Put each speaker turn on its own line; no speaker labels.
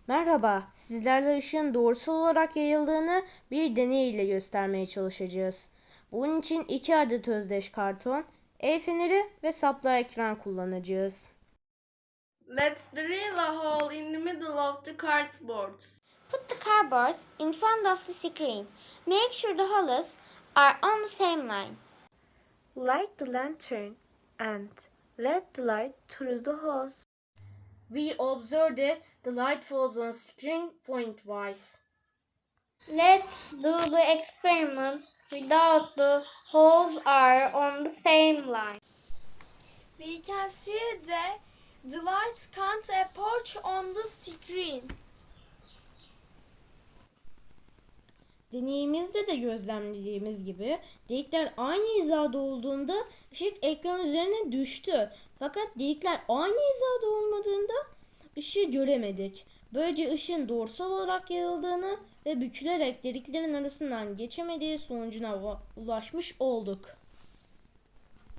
Merhaba, sizlerle ışığın doğrusal olarak yayıldığını bir deney ile göstermeye çalışacağız. Bunun için 2 adet özdeş karton, el feneri ve saplı ekran kullanacağız.
Let's drill a hole in the middle of the cardboard.
Put the cardboards in front of the screen. Make sure the holes are on the same line.
Light the lantern and let the light through the holes.
We observe that the light falls on screen pointwise.
Let's do the experiment without the holes are on the same line.
We can see that the light can't approach on the screen.
Deneyimizde de gözlemlediğimiz gibi delikler aynı hizada olduğunda ışık ekran üzerine düştü. Fakat delikler aynı hizada olmadığında ışığı göremedik. Böylece ışığın doğrusal olarak yayıldığını ve bükülerek deliklerin arasından geçemediği sonucuna ulaşmış olduk.